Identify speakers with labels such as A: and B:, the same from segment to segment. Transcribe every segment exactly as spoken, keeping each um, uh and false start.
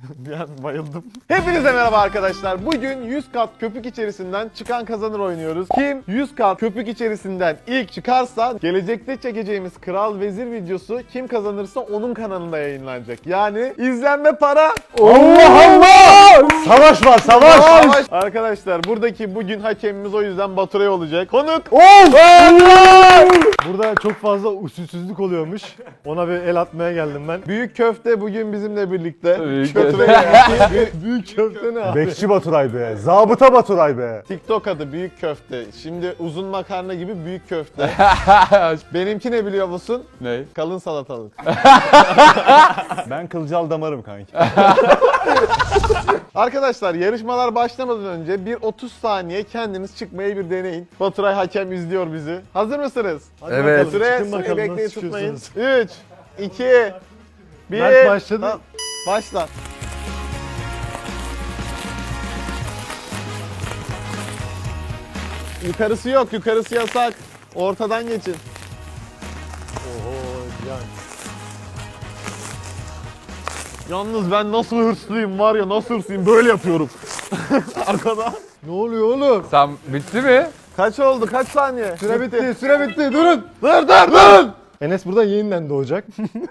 A: Bir an bayıldım. Hepinize merhaba arkadaşlar. Bugün yüz kat köpük içerisinden çıkan kazanır oynuyoruz. Kim yüz kat köpük içerisinden ilk çıkarsa gelecekte çekeceğimiz Kral Vezir videosu kim kazanırsa onun kanalında yayınlanacak. Yani izlenme para.
B: Allah Allah! Savaş var, savaş!
A: Savaş. Arkadaşlar buradaki bugün hakemimiz o yüzden Baturay olacak. Konuk.
B: Of! Burada çok fazla usulsüzlük oluyormuş. Ona bir el atmaya geldim ben.
A: Büyük köfte bugün bizimle birlikte.
C: Büyük
A: Baturay- büyük, büyük köfte ne abi?
B: Bekçi Baturay be, zabıta Baturay be.
A: TikTok adı büyük köfte. Şimdi uzun makarna gibi büyük köfte. Benimki ne biliyor musun?
C: Ne?
A: Kalın salatalık.
B: Ben kılcal damarım kanki.
A: Arkadaşlar yarışmalar başlamadan önce bir otuz saniye kendiniz çıkmayı bir deneyin. Baturay hakem izliyor bizi. Hazır mısınız?
B: Hadi
C: Evet.
B: bakalım,
A: Süre,
B: çıkın
A: süreyi
B: bakalım
A: bekleyin
B: nasıl
A: tutmayın.
B: çıkıyorsunuz.
A: üç, iki, bir.
B: Mert başladı.
A: Tamam, başla. Yukarısı yok, yukarısı yasak. Ortadan geçin.
B: Oho, yani.
A: Yalnız ben nasıl hırslıyım var ya, nasıl hırslıyım, böyle yapıyorum. Arkada.
B: Ne oluyor oğlum?
C: Sen bitti mi?
A: Kaç oldu, kaç saniye?
B: Süre bitti, süre bitti. Durun.
A: Dur dur dur.
B: Enes buradan yeniden doğacak.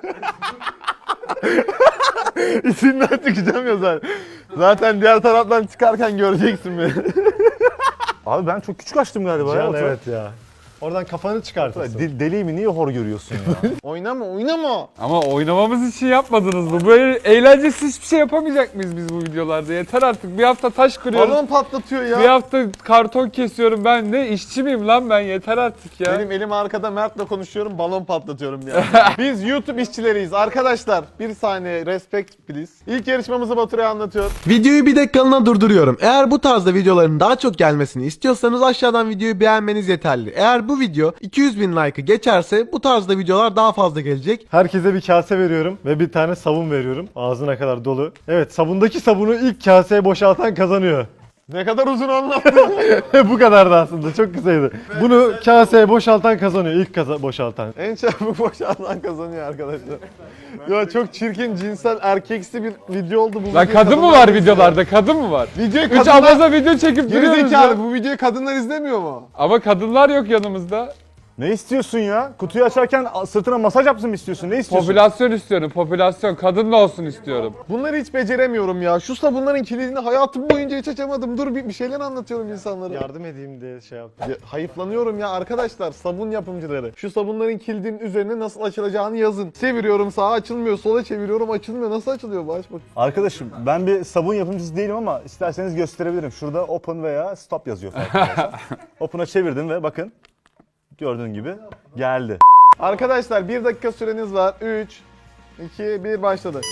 A: İçinden çıkacağım ya zaten. Zaten diğer taraftan çıkarken göreceksin beni.
B: Abi ben çok küçük açtım galiba
D: Can
B: ya.
D: evet ya. Oradan kafanı çıkartırsın.
B: De- deli mi? Niye hor görüyorsun ya?
A: Oynama oynama.
C: Ama oynamamız için yapmadınız mı? Böyle eğlencesiz hiçbir şey yapamayacak mıyız biz bu videolarda? Yeter artık. Bir hafta taş kırıyorum.
A: Balon patlatıyor ya.
C: Bir hafta karton kesiyorum ben. Ne işçi miyim lan ben? Yeter artık ya.
A: Benim elim arkada, Mert'le konuşuyorum, balon patlatıyorum ya. Biz YouTube işçileriyiz arkadaşlar. Bir saniye respect please. İlk yarışmamızı Baturay'a anlatıyor.
E: Videoyu bir dakikalığına durduruyorum. Eğer bu tarzda videoların daha çok gelmesini istiyorsanız aşağıdan videoyu beğenmeniz yeterli. Eğer bu video iki yüz bin like'ı geçerse bu tarzda videolar daha fazla gelecek.
D: Herkese bir kase veriyorum ve bir tane sabun veriyorum. Ağzına kadar dolu. Evet, sabundaki sabunu ilk kaseye boşaltan kazanıyor.
A: Ne kadar uzun anlattın.
D: Bu kadardı aslında, çok kısaydı. Bunu kaseye boşaltan kazanıyor, ilk kaza boşaltan.
A: En çabuk boşalan kazanıyor arkadaşlar. Ya çok çirkin, cinsel, erkeksi bir video oldu bu.
C: Lan
A: video.
C: kadın mı var videolarda? Kadın mı var?
A: Videoyu
C: Üç
A: kadınlar...
C: abaza video çekip duruyoruz
A: Gerizekalı,
C: ya.
A: bu videoyu kadınlar izlemiyor mu?
C: Ama kadınlar yok yanımızda.
B: Ne istiyorsun ya? Kutuyu açarken sırtına masaj yapsın mı istiyorsun? Ne istiyorsun?
C: Popülasyon istiyorum. Popülasyon. Kadın da olsun istiyorum.
A: Bunları hiç beceremiyorum ya. Şu sabunların kilidini hayatım boyunca hiç açamadım. Dur bir, bir şeyler anlatıyorum insanlara.
D: Yardım edeyim diye şey yaptım.
A: Ya, hayıflanıyorum ya arkadaşlar, sabun yapımcıları. Şu sabunların kilidinin üzerine nasıl açılacağını yazın. Çeviriyorum, sağa açılmıyor, sola çeviriyorum, açılmıyor. Nasıl açılıyor bu? Aç bak.
B: Arkadaşım ben bir sabun yapımcısı değilim ama isterseniz gösterebilirim. Şurada open veya stop yazıyor farkındaysan. Open'a çevirdim ve bakın gördüğün gibi geldi.
A: Arkadaşlar bir dakika süreniz var. üç, iki, bir başladı.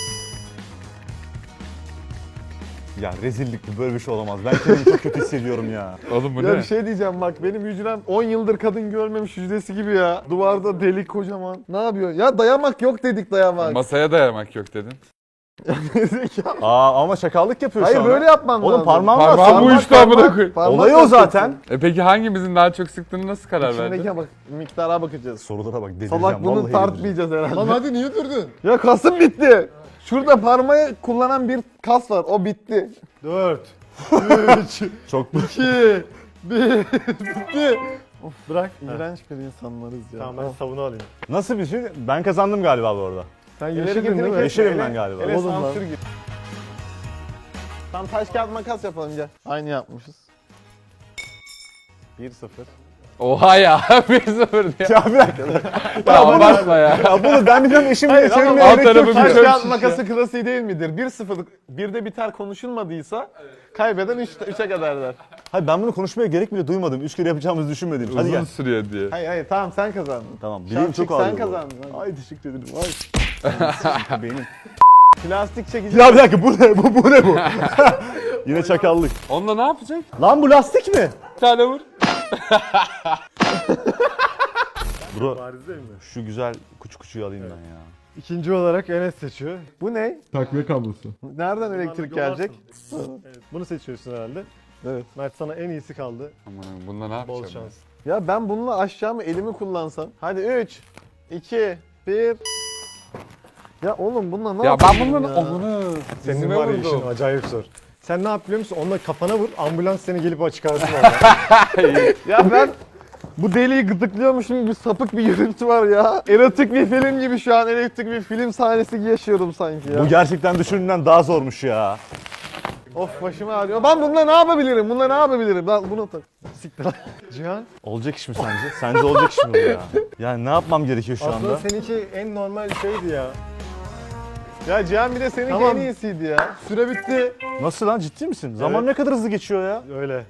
B: Ya rezillik bu, böyle bir şey olamaz. Ben kendimi çok kötü hissediyorum ya.
C: Oğlum bu
A: Ya
C: ne?
A: bir şey diyeceğim bak, benim hücrem on yıldır kadın görmemiş hücresi gibi ya. Duvarda delik kocaman. Ne yapıyor? Ya dayamak yok dedik, dayamak.
C: Masaya dayamak yok dedin.
A: Zekalı.
B: Aa ama şakallık yapıyor
A: Hayır
B: şu anda.
A: böyle yapman
B: Oğlum
A: lazım.
B: parmağım var.
C: Parmağım
B: Parmak-
C: uyuştu amına koyayım.
A: parmak
B: Olayı o
A: yapacaksın.
B: zaten.
C: E peki hangimizin daha çok sıktığını nasıl karar verdin?
A: İçindeki bak, miktara bakacağız.
B: Sorulara bak delireceğim.
A: Salak, bunu
B: vallahi delireceğim.
A: tartmayacağız herhalde.
D: Lan hadi niye durdun?
A: Ya kasım bitti. Şurada parmağı kullanan bir kas var. O bitti.
D: dört, üç,
B: Çok
D: iki, bir, bitti.
A: Of bırak. İğrenç bir insanlarız ya.
D: Tamam, ben sabunu alayım.
B: Nasıl bir şey? Ben kazandım galiba bu arada.
D: Sen
A: İleri
D: yeşildin değil
A: getirin,
D: mi?
A: kes-
B: Yeşilim
A: ele-
B: ben galiba.
A: ele
D: Oğlum lan.
A: sansür gibi. Tam taş kağıt makas yapalım gel. Aynı yapmışız. bir sıfır.
C: Oha ya. bir sıfır diye.
B: Ya bir dakika.
C: Ya abartma ya.
B: Ya bunu ben biliyorum eşimle
A: Hayır ama
B: çevirmeye
C: alt
B: gerek yok.
C: tarafı
A: Taş
C: bir
B: ki.
A: kağıt
C: şiş
A: makası klasiği değil midir? bir sıfır bir de biter konuşulmadıysa kaybeden üçe kadar der.
B: Hayır ben bunu konuşmaya gerek bile duymadım. Üç kere yapacağımızı düşünmedim. Hadi
C: Uzun
B: gel.
C: sürüyor diye.
A: Hayır hayır tamam, sen kazandın.
B: Tamam bileğim
A: Şapşik,
B: çok ağrıyor.
A: sen
B: bu.
A: kazandın, hadi.
B: Ay teşekkür ederim. Ay. Benim.
A: Plastik çekici.
B: Ya bir dakika bu ne bu, bu ne bu? Yine çakallık.
C: Onunla ne yapacak?
B: Lan bu lastik mi?
C: Bir tane vur.
B: Bro
D: Bariz değil mi?
B: şu güzel kuçu kuçuyu alayım ben ya.
D: İkinci olarak Enes seçiyor.
A: Bu ne?
C: Takviye kablosu.
A: Nereden elektrik gelecek?
D: Evet, bunu seçiyorsun herhalde.
A: Evet.
D: Mert, sana en iyisi kaldı.
C: Aman bununla ne yapacağım?
D: Bol
C: ben?
D: şans.
A: Ya ben bununla aşağı mı elimi kullansam? Hadi üç, iki, bir. Ya oğlum bununla ne
C: Ya ben
A: yapayım
C: bunların
A: ya?
C: omunu
D: Senin
C: dizime
D: var ya işin
C: vurdum.
D: acayip zor. Sen ne yap biliyor musun? Onunla kafana vur, ambulans seni gelip çıkarsın orada.
A: Ya ben bu deliği gıdıklıyormuşum gibi sapık bir görüntü var ya. Erotik bir film gibi şu an erotik bir film sahnesi yaşıyorum sanki ya.
B: Bu gerçekten düşündüğümden daha zormuş ya.
A: Of başım ağrıyor. Ben bununla ne yapabilirim? Bununla ne yapabilirim? Lan bunu tak.
D: Siktir lan. Cihan,
B: Olacak iş mi sence? Sence olacak iş mi bu ya? Yani ne yapmam gerekiyor şu
D: aslında
B: anda?
D: seninki en normal şeydi ya.
A: Ya Cihan bir de seninki
D: Tamam.
A: en iyisiydi ya. Süre bitti.
B: Nasıl lan, ciddi misin? Zaman
D: Evet.
B: ne kadar hızlı geçiyor ya.
D: Öyle.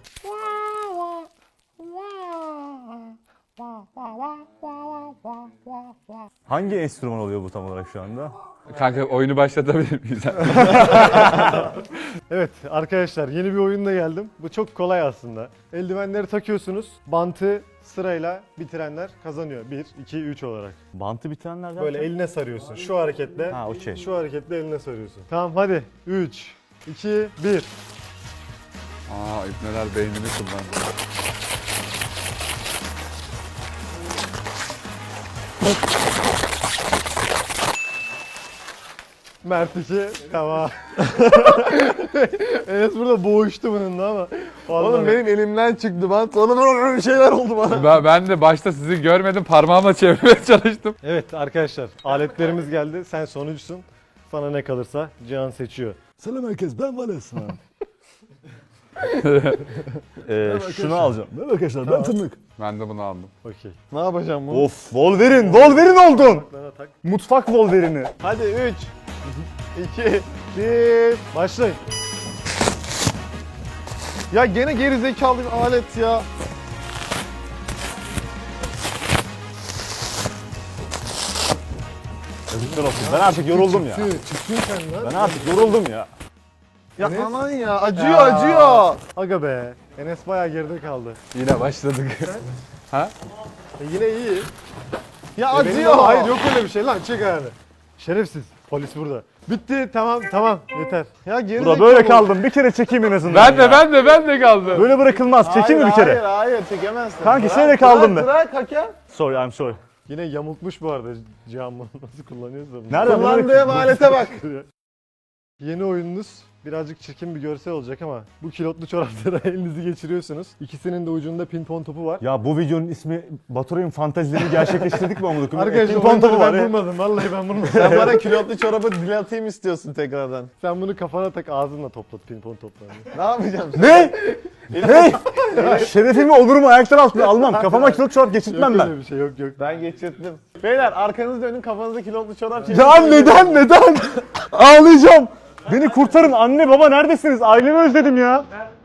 B: Hangi enstrüman oluyor bu tam olarak şu anda?
C: Kanka oyunu başlatabilir miyiz?
D: Evet arkadaşlar yeni bir oyunla geldim. Bu çok kolay aslında. Eldivenleri takıyorsunuz. Bantı sırayla bitirenler kazanıyor. bir, iki, üç olarak.
B: Bantı bitirenler derken?
D: Böyle eline sarıyorsun. Şu hareketle.
B: Ha okey.
D: Şu hareketle eline sarıyorsun. Tamam hadi. üç, iki, bir.
C: Aa ipneler beynini kullandı.
D: Mert iki. Tamam. Enes burada boğuştu bununla ama.
A: Oğlum
D: Vallahi-
A: benim elimden çıktı bant. Sonra bir şeyler oldu bana.
C: Ben, ben de başta sizi görmedim parmağımla çevirmeye çalıştım.
D: Evet arkadaşlar aletlerimiz geldi. Sen sonuncusun. Sana ne kalırsa Cihan seçiyor.
B: Selam herkes, ben Vales. ee, şunu alacağım. Merhaba arkadaşlar, ben Tırnak.
C: Ben de bunu aldım.
D: Okey.
A: Ne yapacağım bunu?
B: Of, Wolverine, Wolverine oldun.
D: Bana tak.
B: Mutfak Wolverine'i.
A: Hadi üç, iki, bir.
D: Başlayın.
A: Ya gene geri zekalı bir alet ya.
B: Yazıklar olsun. Ben artık yoruldum ya.
D: Çıktın sen lan.
B: Ben artık yoruldum ya.
A: Ya
D: Enes?
A: aman ya acıyor acıyor.
D: Aga be. Enes bayağı geride kaldı.
C: Yine başladık.
D: E yine iyi.
A: Ya
D: E benim
A: acıyor.
D: ama hayır yok öyle bir şey lan çek ayağını. Şerefsiz. Polis burada. Bitti tamam tamam yeter.
A: Ya geri
B: Burada
A: zekalı.
B: böyle kaldım. Bir kere çekeyim en azından.
C: ben de
B: ya.
C: ben de ben de kaldım.
B: Böyle bırakılmaz. Çekeyim mi bir kere?
A: Hayır hayır çekemezsin.
B: Kanki,
A: Bırak,
B: şöyle kaldım
A: bırak,
B: ben.
A: Bırak hakem.
B: Sorry, I'm sorry.
D: Yine yamultmuş bu arada Cihan bunu nasıl kullanıyorsa. bunu.
B: Nerede?
A: Kullandığım alete bak.
D: Yeni oyununuz birazcık çirkin bir görsel olacak ama bu kilotlu çoraplara elinizi geçiriyorsunuz. İkisinin de ucunda pimpon topu var.
B: Ya bu videonun ismi Baturay'ın fantezilerini gerçekleştirdik mi amına koyayım?
D: Arkadaşlar
B: Pimpon topu
D: oyunları
B: var
D: ben
B: ya.
D: bulmadım. Vallahi ben bulmadım.
A: Sen bana külotlu çorabı dilatayım istiyorsun tekrardan.
D: Sen bunu kafana tak ağzınla toplat pimpon toplarını.
A: Ne yapacağım?
B: Ne? Ne? Şerefimi onurumu ayaklar altına almam. Kafama kilot çorap geçirtmem
D: Yok
B: ben.
D: öyle bir şey yok yok.
A: Ben geçirttim. Beyler arkanızı dönün kafanızda kilotlu çorap çevirin.
B: Ya neden neden? Ağlayacağım. Beni kurtarın, anne baba neredesiniz? Ailemi özledim ya.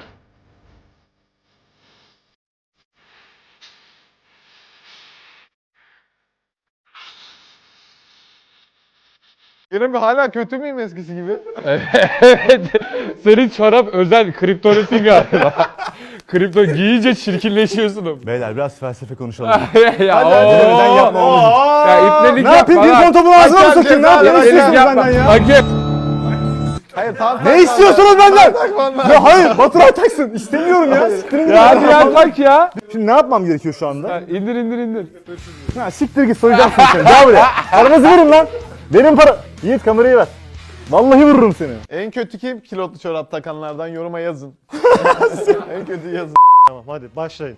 A: Yine bir hala kötü müyüm eskisi gibi?
C: Evet. Senin çorap özel kriptonetin galiba. Kripto giyince çirkinleşiyorsun.
B: Beyler biraz felsefe konuşalım.
C: ya
A: hadi,
C: oo.
B: neden yapma oğlum?
C: Ya ipnelik
B: Ne yapayım?
C: yapma
B: Bir
C: lan.
B: topu ağzına mı
A: Hakem
B: sokayım? Ne
A: ceza
B: yapayım?
A: ver,
B: İstiyorsunuz
C: Yapma.
B: benden ya?
C: Hakem.
A: Hayır tam
B: Ne istiyorsunuz benden?
A: benden?
B: Ya hayır, Baturay taksın. İstemiyorum ya. Siktirin gidin.
C: Ya hadi ya tak ya.
B: Şimdi ne yapmam gerekiyor şu anda?
C: Ya İndir indir indir.
B: Ha, siktir git, soyacağım seni seni. Gel buraya. Paranızı verin lan. Verin para. Yiğit kamerayı ver. Vallahi vururum seni.
A: En kötü kim kilotlu çorap takanlardan yoruma yazın. En kötü yazın.
D: Tamam hadi başlayın.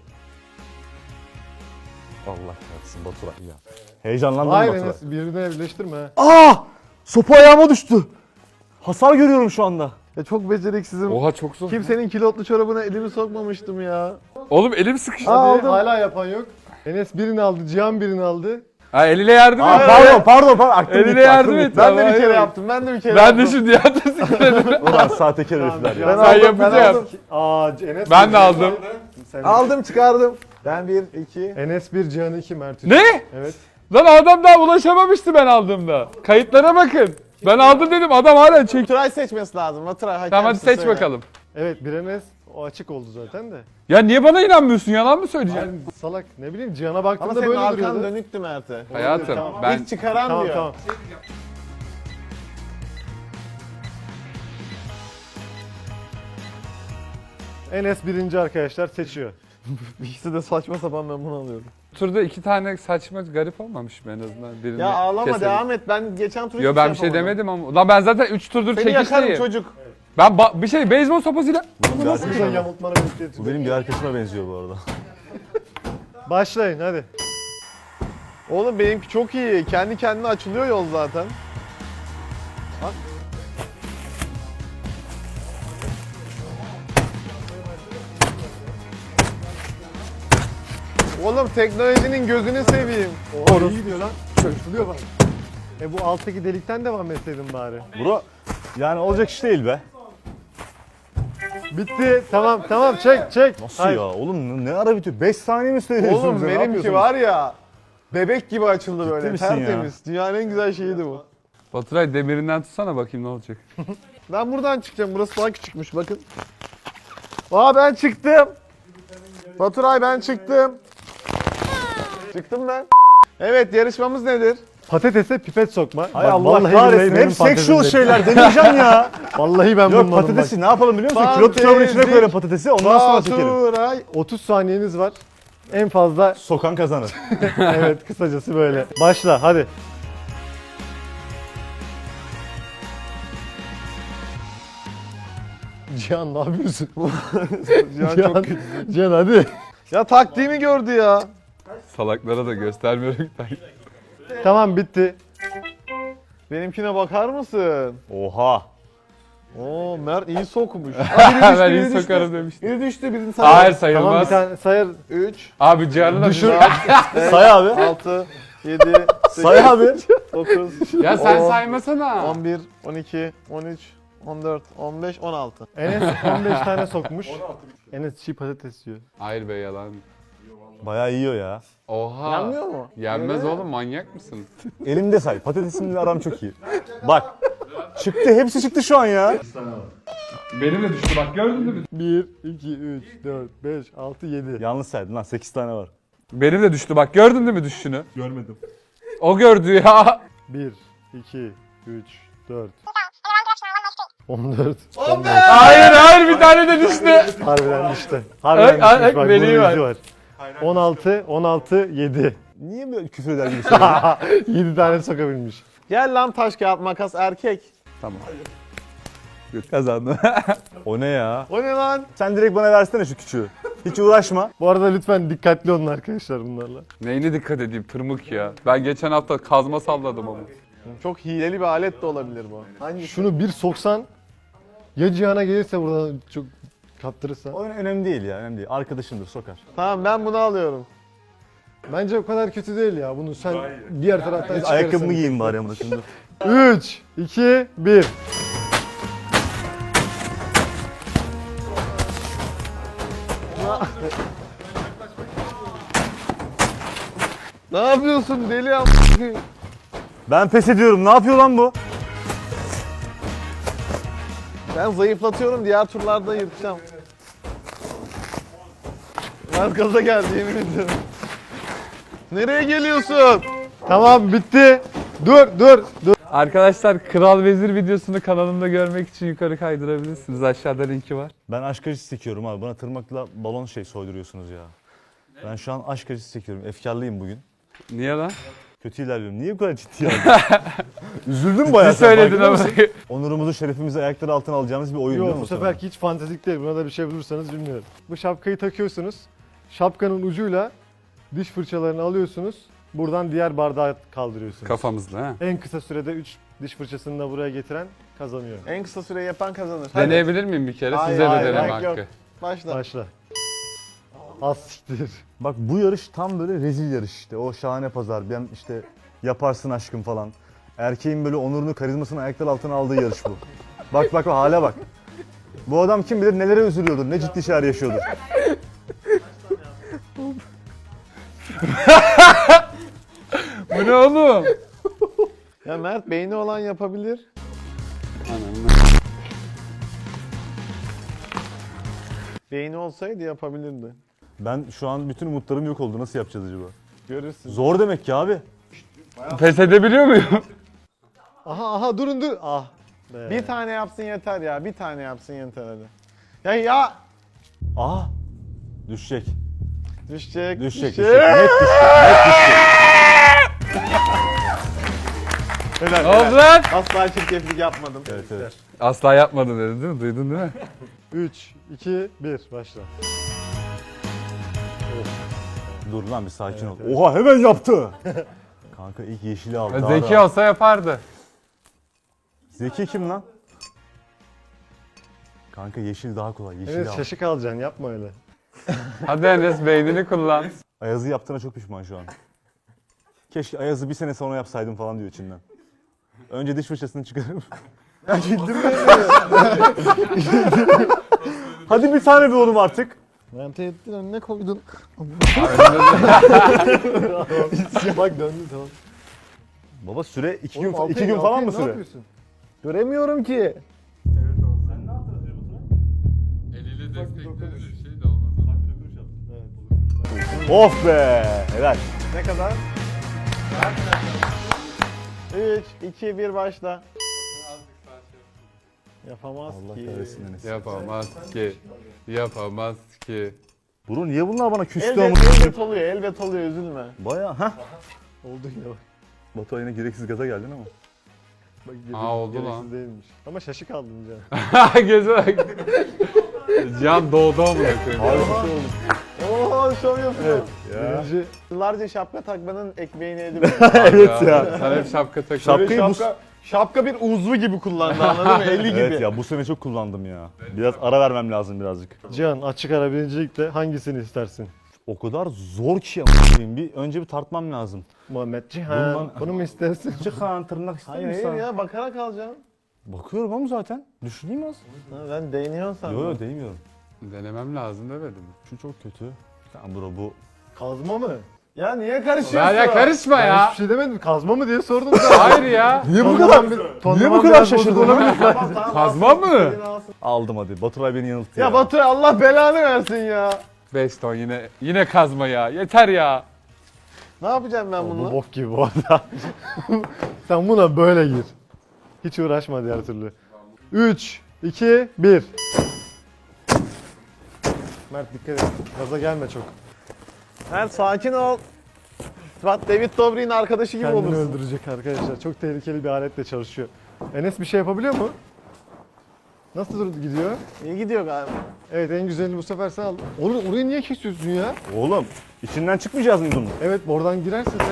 B: Allah kahretsin Baturay ya. Heyecanlandım
D: Hayır
B: Baturay.
D: Enes birbirine birleştirme ha.
B: Aa! Sopa ayağıma düştü. Hasar görüyorum şu anda.
A: Ya çok beceriksizim.
C: Oha çok zor.
A: Kimsenin kilotlu çorabına elimi sokmamıştım ya.
C: Oğlum elim sıkıştı.
A: Aa,
D: Hadi,
A: aldım.
D: hala yapan yok. Enes birini aldı, Cihan birini aldı.
C: Ha eliyle yardım
B: Aa,
C: et.
B: pardon pardon pardon. Aklım
C: Eline
B: gitti,
C: yardım
B: aklım
C: et.
B: gitti.
A: Ben de
C: Tamam,
A: bir kere
C: hayır.
A: yaptım. Ben de bir kere
C: Ben
A: yaptım.
C: de şimdi yardım sıkıştırdım.
B: Ulan sahtekar herifler ya.
A: Ben
C: Sen
A: aldım,
C: yapacağım.
A: ben aldım.
D: Aa Enes
C: Ben
D: bir,
C: de aldım.
D: Sen
A: Aldım çıkardım. Ben bir, iki.
D: Enes bir, Cihan iki, Mert üç.
C: Ne?
D: Evet.
C: Lan adam daha ulaşamamıştı ben aldığımda. Kayıtlara bakın. Ben aldım dedim adam hala çek.
A: Baturay seçmesi lazım. Baturay hakem.
C: Tamam hadi seç bakalım.
D: Evet bir Enes o açık oldu zaten de.
C: Ya niye bana inanmıyorsun? Yalan mı söyleyeceksin?
D: Yani salak ne bileyim Cihan'a
A: Ama
D: baktığımda
A: senin
D: böyle
A: arkan
D: duruyordu.
A: dönüktü Mert'e.
C: Hayatım
D: Tamam.
C: ben
A: İlk çıkaran
D: Tamam
A: diyor.
D: tamam. Enes birinci arkadaşlar seçiyor.
A: İkisi de saçma sapan ben bunu alıyorum.
C: turda iki tane saçma garip olmamış mı en azından? Birini
A: Ya ağlama
C: keselim.
A: devam et. Ben geçen tur
C: Yo
A: hiçbir
C: ben bir şey
A: yapamadım.
C: demedim ama. Lan ben zaten üç turdur
A: Seni yakarım
C: çekişteyim.
A: çocuk.
C: Ben ba- bir şey beyzbol sopasıyla
B: Bu
D: Nasıl bir şey yamultmanı bekliyor.
B: Bu benim bir arkadaşıma benziyor bu arada.
D: Başlayın hadi.
A: Oğlum benimki çok iyi. Kendi kendine açılıyor yol zaten. Bak. Oğlum teknolojinin gözünü seveyim.
D: Oo, iyi gidiyor lan. Çözülüyor bak. E bu alttaki delikten devam etseydin bari.
B: Bro yani olacak iş değil be.
D: Bitti. Tamam tamam çek çek.
B: Nasıl
D: Hayır.
B: ya oğlum ne ara bitiyor? beş saniye mi söylüyorsunuz?
A: Oğlum
B: ya? Ne
A: benimki
B: yapıyorsunuz?
A: var ya. Bebek gibi açıldı böyle.
B: misin ya?
A: Tertemiz. Dünyanın en güzel şeyiydi bu.
C: Baturay demirinden tutsana bakayım ne olacak.
A: Ben buradan çıkacağım. Burası daha küçükmüş bakın. Aa ben çıktım. Baturay ben çıktım. Çıktım ben. Evet yarışmamız nedir?
D: Patatese pipet sokma.
B: Hay
D: Bak,
B: Allah
D: vallahi
B: kahretsin.
D: billahi benim
B: Hep sexual
D: patatesim
B: şeyler deneyeceğim ya.
D: Vallahi ben
B: Yok
D: bulmadım
B: patatesi
D: bak.
B: ne yapalım biliyor musun? Kilo tutarın içine
A: Fantezi.
B: koyalım patatesi ondan sonra çekelim.
A: Baturay.
D: otuz saniyeniz var. En fazla
B: Sokan kazanır.
D: evet kısacası böyle. Başla hadi. Cihan ne yapıyorsun?
A: Cihan
D: Cihan,
A: çok kötü.
D: Cihan hadi.
A: Ya taktiğimi gördü ya.
C: Salaklara da göstermiyorum ben.
D: Tamam bitti.
A: Benimkine bakar mısın?
B: Oha.
A: Oo Mert iyi sokmuş.
C: Ben iyi sokarım demiştim.
A: Biri düştü bizim
C: Hayır
A: sayı.
D: Tamam bir
C: sayılmaz.
D: tane sayar.
A: üç,
C: Abi Cihan'ı da
D: Düşür.
B: Say abi.
A: altı, yedi,
B: Say abi.
A: dokuz,
C: Ya sen
A: on,
C: saymasana.
A: on bir, on iki, on üç, on dört, on beş, on altı.
D: Enes on beş tane sokmuş. Enes çiğ patates yiyor.
C: Hayır be yalan.
B: Bayağı yiyor ya.
C: Oha.
A: Yanmıyor mu?
C: Yenmez
A: Evet.
C: oğlum manyak mısın?
B: Elimde say. Patatesimle aram çok iyi. Bak. Çıktı. Hepsi çıktı şu an ya.
C: Benim de düştü bak gördün mü?
D: bir, iki, üç, dört, beş, altı, yedi.
B: Yanlış saydın lan. sekiz tane var.
C: Benim de düştü bak gördün değil mi düşüşünü? Görmedim. O gördü ya.
D: bir, iki, üç, dört. on dört.
A: on beş.
C: Hayır hayır bir tane de düştü.
D: Harbiden işte. Harbiden
C: Ay, ay,
D: düşmüş bak.
C: meleği
D: bunun
C: var.
D: izi var. on altı, on altı, yedi.
B: Niye böyle küfür eder gibi söylüyorsun?
D: yedi tane sokabilmiş.
A: Gel lan taş kağıt makas erkek.
C: Tamam. Kazandım.
B: O ne ya?
A: O ne lan?
B: Sen direkt bana versene şu küçüğü. Hiç uğraşma.
D: Bu arada lütfen dikkatli olun arkadaşlar bunlarla.
C: Neyine dikkat edeyim tırmık ya. Ben geçen hafta kazma salladım ama.
A: Çok hileli bir alet de olabilir bu. Hangisi?
D: Şunu bir soksan ya Cihan'a gelirse buradan çok kaptırırsa.
B: O önemli değil ya. Önemli değil. Arkadaşımdır sokar.
A: Tamam ben bunu alıyorum.
D: Bence o kadar kötü değil ya. Bunu sen diğer taraftan
B: Biz
D: çıkarırsan.
B: ayakkabımı giyeyim bari amına şimdi.
D: üç, iki, bir.
A: Ne yapıyorsun deli am?
B: Ben pes ediyorum. Ne yapıyor lan bu?
A: Ben zayıflatıyorum diğer turlarda yırtacağım. Mert gaza geldi yemin ediyorum. Nereye geliyorsun?
D: Tamam bitti. Dur dur dur.
C: Arkadaşlar Kral Vezir videosunu kanalımda görmek için yukarı kaydırabilirsiniz. Aşağıda linki var.
B: Ben aşk acısı çekiyorum abi. Bana tırmakla balon şey soyduruyorsunuz ya. Ben şu an aşk acısı çekiyorum. Efkarlıyım bugün.
C: Niye lan?
B: Kötü ilerliyorum. Niye bu kadar ciddi aldın? Üzüldüm bayağı.
C: Ne
B: sen
C: söyledin
B: farkında
C: ama.
B: mısın? Onurumuzu, şerefimizi ayakları altına alacağımız bir oyun değil mi
D: Yok bu
B: bu sana?
D: seferki hiç fantezik değil. Buna da bir şey bulursanız bilmiyorum. Bu şapkayı takıyorsunuz. Şapkanın ucuyla diş fırçalarını alıyorsunuz. Buradan diğer bardağı kaldırıyorsunuz.
C: Kafamızda ha.
D: En kısa sürede üç diş fırçasını da buraya getiren kazanıyor.
A: En kısa süreyi yapan kazanır. Hadi.
C: Deneyebilir miyim bir kere?
A: Hayır,
C: Size de
A: hayır,
C: deneme
A: hayır, yok.
C: hakkı.
A: Başla.
D: Başla. Az siktir.
B: Bak bu yarış tam böyle rezil yarış işte. O şahane pazar. Ben işte yaparsın aşkım falan. Erkeğin böyle onurunu, karizmasını ayaklar altına aldığı yarış bu. Bak bak hale bak. Bu adam kim bilir nelere üzülüyordur, ne ciddi şeyler yaşıyordur.
C: Bu ne oğlum?
A: Ya Mert beyni olan yapabilir. Beyni olsaydı yapabilirdi.
B: Ben şu an bütün umutlarım yok oldu. Nasıl yapacağız acaba?
A: Görürsün.
B: Zor demek ki abi.
C: Pes edebiliyor muyum?
D: Aha aha durun dur. Ah. Be.
A: Bir tane yapsın yeter ya. Bir tane yapsın yeter hadi. Ya ya
B: Aha. Düşecek.
A: Düşecek.
B: Düşecek, düşecek. Net düşecek, net düşecek.
A: Helal,
C: Ne oldu
A: helal.
C: lan?
A: Asla çirkeflik yapmadım.
B: Evet, evet.
C: Asla yapmadın dedin değil mi? Duydun değil mi?
D: üç, iki, bir. Başla.
B: Dur lan bir sakin ol.
D: Evet,
B: Oha hemen yaptı. Kanka ilk yeşili aldı. daha
C: Zeki
B: da-
C: olsa yapardı.
B: Zeki kim lan? Kanka yeşil daha kolay. Yeşil
D: Evet
B: al.
D: şaşık alacaksın yapma öyle.
C: Hadi Enes beynini kullan.
B: Ayaz'ı yaptığına çok pişman şu an. Keşke Ayaz'ı bir sene sonra yapsaydım falan diyor içinden. Önce diş fırçasını çıkarıp. Ya güldüm Hadi bir tane bir oğlum artık.
A: Ben tehdit önüne koydun.
D: Bak döndü tamam.
B: Baba süre iki
D: Oğlum,
B: gün,
D: Altay,
B: iki gün
D: Altay,
B: falan mı
D: ne
B: süre?
D: yapıyorsun?
A: Göremiyorum ki.
C: Eliyle destekledi şey de olmaz.
B: Of be! Helal.
A: Ne kadar? üç, iki, bir başla. Yapamaz
B: Allah
A: ki.
B: kahretsin Enes.
C: Yapamaz ki. Yapamaz ki.
B: Bro niye bunlar bana küstü
A: Elbet,
B: ama?
A: elbet oluyor, elbet oluyor, üzülme.
B: Baya ha.
D: Oldu yine bak.
B: Batu yine gereksiz gaza geldin ama.
D: Bak
C: Aa, oldu
D: gereksiz
C: lan.
D: değilmiş. Ama şaşık aldın can.
C: Göze bak. Can doğdu amına koyayım.
B: Harika oldu.
A: Oo, şov yapıyor.
B: Ya.
D: Birinci
A: Yıllarca şapka takmanın ekmeğini yedim.
B: Evet ya.
C: Sen hep şapka takıyorsun.
B: Şapkayı bu-
A: şapka, şapka bir uzvu gibi kullandı, anladın mı? Eli gibi.
B: Evet ya bu sene çok kullandım ya. Biraz ara vermem lazım birazcık.
D: Cihan açık ara birincilikte hangisini istersin?
B: O kadar zor ki ama bir önce bir tartmam lazım.
D: Muhammed Cihan.
B: Bundan-
D: Bunu mu istersin?
B: Çıkan tırnak ister
A: Hayır
B: misin?
A: hayır ya, bakarak alacağım.
B: Bakıyorum ama zaten. Düşüneyim az.
A: Ha, ben değiniyorsun sandım.
B: Yo yo değmiyorum.
C: Denemem lazım demedim mi?
B: Şu çok kötü. Tamam bro bu.
D: Kazma mı?
A: Ya niye karışıyorsun?
C: Ya, ya karışma
D: Ben
C: ya.
D: hiçbir şey demedim. Kazma mı diye sordum sana.
C: Hayır ya.
B: Niye bu
D: Tonlaman
B: kadar?
D: bir-
B: Niye
D: tonlaman
B: bu kadar
D: biraz
B: şaşırdın?
D: bozuk olabilir.
A: Tamam, tamam,
C: Kazma
A: alsın,
C: mı?
A: istediğini alsın.
B: Aldım hadi. Baturay beni yanılttı ya.
A: Ya Batu, Allah belanı versin ya.
C: beş ton yine yine kazma ya. Yeter ya.
A: Ne yapacağım ben
D: Bu
A: bununla?
D: bok gibi bu arada. Sen buna böyle gir. Hiç uğraşma diğer türlü. üç, iki, bir. Mert dikkat et. Gaza gelme çok.
A: Mert sakin ol. Bak David Dobrik'in arkadaşı gibi
D: Kendini
A: olursun.
D: öldürecek arkadaşlar. Çok tehlikeli bir aletle çalışıyor. Enes bir şey yapabiliyor mu? Nasıl dur- gidiyor?
A: İyi gidiyor galiba.
D: Evet en güzelini bu sefer sen al. Oğlum orayı niye kesiyorsun ya?
B: Oğlum içinden çıkmayacağız mı bunun?
D: Evet oradan girerse de.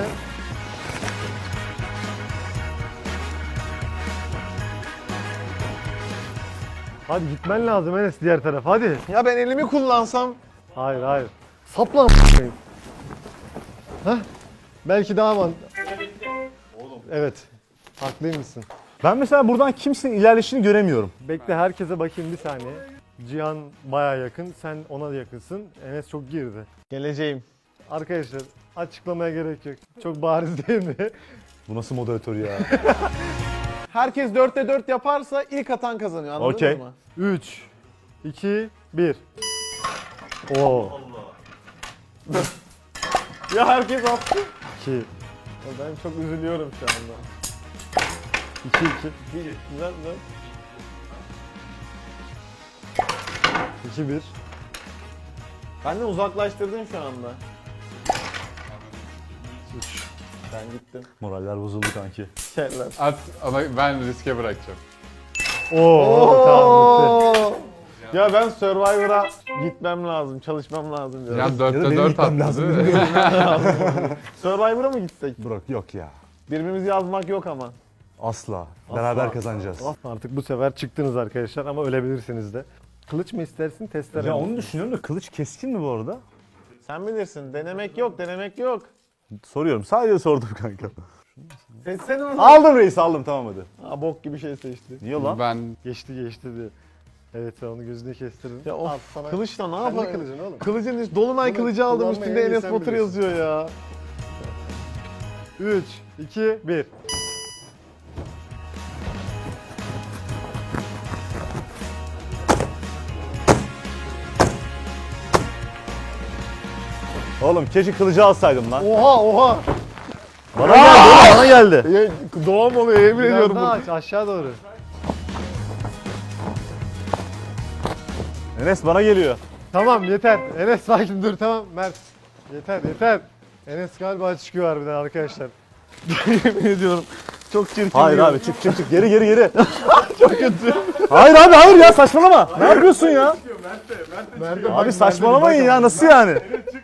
D: Hadi gitmen lazım Enes diğer taraf hadi.
A: Ya ben elimi kullansam.
D: Hayır hayır. Sapla a**ayım. Hah. Belki daha man. Evet. Haklıymışsın.
B: Ben mesela buradan kimsenin ilerleyişini göremiyorum.
D: Bekle herkese bakayım bir saniye. Cihan baya yakın, sen ona yakınsın. Enes çok girdi.
A: Geleceğim.
D: Arkadaşlar açıklamaya gerek yok. Çok bariz değil mi?
B: Bu nasıl moderatör ya?
A: Herkes dörtte dört yaparsa ilk atan kazanıyor, anladın
B: Okey.
A: mı?
D: üç, iki, bir. Oo.
A: Ya herkes attı.
D: iki,
A: Ya ben çok üzülüyorum şu anda.
D: iki, iki.
A: Güzel güzel.
D: iki, bir.
A: Benden uzaklaştırdın şu anda.
D: üç.
A: Ben gittim.
B: Moraller bozuldu kanki.
A: Şeyler.
C: At ama ben riske bırakacağım.
D: Oo, tamam bitti.
A: Ya ben Survivor'a gitmem lazım, çalışmam lazım diyorum.
C: Can
B: Ya da
C: dörtte
B: benim
C: dört
B: gitmem
C: attı
B: lazım,
C: değil mi?
A: Survivor'a mı gitsek?
B: Burak yok ya.
A: Birbirimizi yazmak yok ama.
B: Asla. Beraber kazanacağız.
D: Artık bu sefer çıktınız arkadaşlar ama ölebilirsiniz de. Kılıç mı istersin, testere
B: Ya
D: mi?
B: onu düşünüyorum da kılıç keskin mi bu arada?
A: Sen bilirsin. Denemek yok, denemek yok.
B: Soruyorum. Sadece sordum kanka.
A: Seçsene onu.
B: Aldım reis aldım tamam hadi.
A: Aa, bok gibi şey seçti.
B: Niye lan?
C: Ben
D: Geçti geçti diye. Evet sen onu gözüne kestirdin.
A: Ya of,
D: Al sana.
A: kılıçla ne
D: Kendi
A: yapayım?
D: kılıcın oğlum.
A: Kılıcın üst, Dolunay
D: Bunu
A: kılıcı aldım,
D: kullanmayı
A: üstünde
D: en iyi
A: Enes
D: sen
A: Batur
D: bilirsin.
A: yazıyor ya.
D: üç, iki, bir.
B: Oğlum keşke kılıcı alsaydım lan.
A: Oha oha.
B: Bana geldi oğlum bana geldi.
A: Ya, doğum oluyor, yemin
D: Biraz
A: ediyorum.
D: daha
A: bu.
D: aç aşağı doğru.
B: Enes bana geliyor.
D: Tamam yeter. Enes sakin dur tamam Mert. Yeter yeter. Enes galiba çıkıyor harbiden arkadaşlar.
A: Yemin ediyorum. Çok çirkin.
B: Hayır
A: bir-
B: abi çık çık çık geri geri geri. Çok kötü. Hayır abi hayır ya saçmalama. Ne yapıyorsun ya? Abi saçmalamayın ya nasıl yani?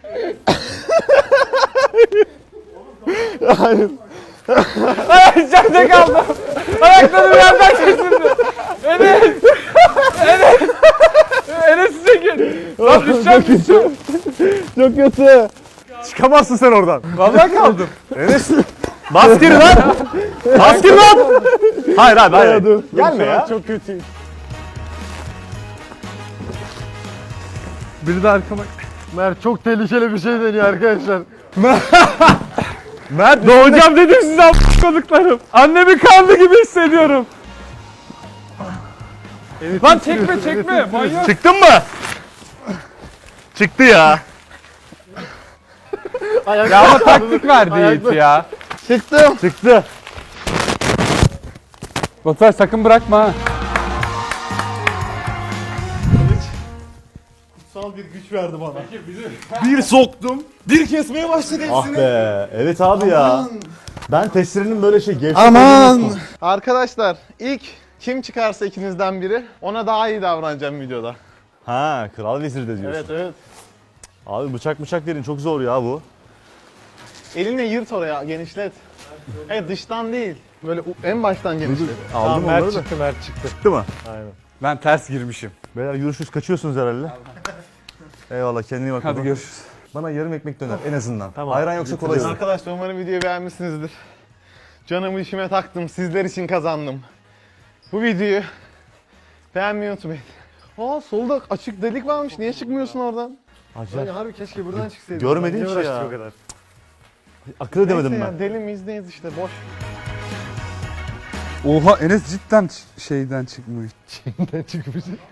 C: Ay içeride kaldım. Ayaklarım yerden kesildi. Enes. Enes. Enes'i çekin. Lan düşeceğim düşeceğim.
B: Çok kötü. Çıkamazsın sen oradan.
C: Vallahi kaldım.
B: Enes. Bas geri lan. Bas geri lan. Hayır abi hayır. Gelme ya.
D: Çok kötü.
C: Biri de arkama.
D: Mert çok tehlikeli bir şey deniyor arkadaşlar.
B: Mert
C: Doğacağım dedim size a**ladıklarım. Annemi kanlı gibi hissediyorum. Lan çekme çekme manyak.
B: çıktın mı? Çıktı ya.
C: Ya ama taktik verdi Yiğit ya.
A: Çıktım.
B: Çıktı.
C: Baturay sakın bırakma ha.
A: Kutsal bir güç verdi bana. Bir soktum. Bir kesmeye başladı
B: Ah
A: hepsini.
B: be. Evet abi ya. Ben testlerinin böyle şey gevşek
A: Aman.
B: olduğunu-
A: Arkadaşlar ilk kim çıkarsa ikinizden biri ona daha iyi davranacağım videoda.
B: Ha kral vezirde diyorsun.
A: Evet evet.
B: Abi bıçak bıçak verin çok zor ya bu.
A: Elinle yırt oraya genişlet. Evet dıştan değil. Böyle u- en baştan genişlet.
B: Aldım
D: Tamam, Mert
B: onları da.
D: çıktı Mert çıktı.
B: Çıktı mı?
D: Aynen.
C: Ben ters girmişim.
B: Beyler yürüyüşüz kaçıyorsunuz herhalde. Eyvallah kendine iyi bak.
C: Hadi
B: baba.
C: görüşürüz.
B: Bana yarım ekmek döner en azından.
D: Tamam.
B: Ayran yoksa kolayız.
A: Arkadaşlar umarım videoyu beğenmişsinizdir. Canımı işime taktım. Sizler için kazandım. Bu videoyu beğenmeyi unutmayın. Aa solda açık delik varmış. Niye çıkmıyorsun oradan?
D: Yani
B: Acayip.
D: harbi keşke buradan çıksaydık.
B: Görmedim
D: Niye
B: ki
D: uğraştık
B: ya.
D: o kadar?
B: Akıl edemedim
A: Neyse
B: ben.
A: ya, deli miyiz neyiz işte boş.
C: Oha Enes cidden ç- şeyden çıkmış.
D: Ne çıkmış?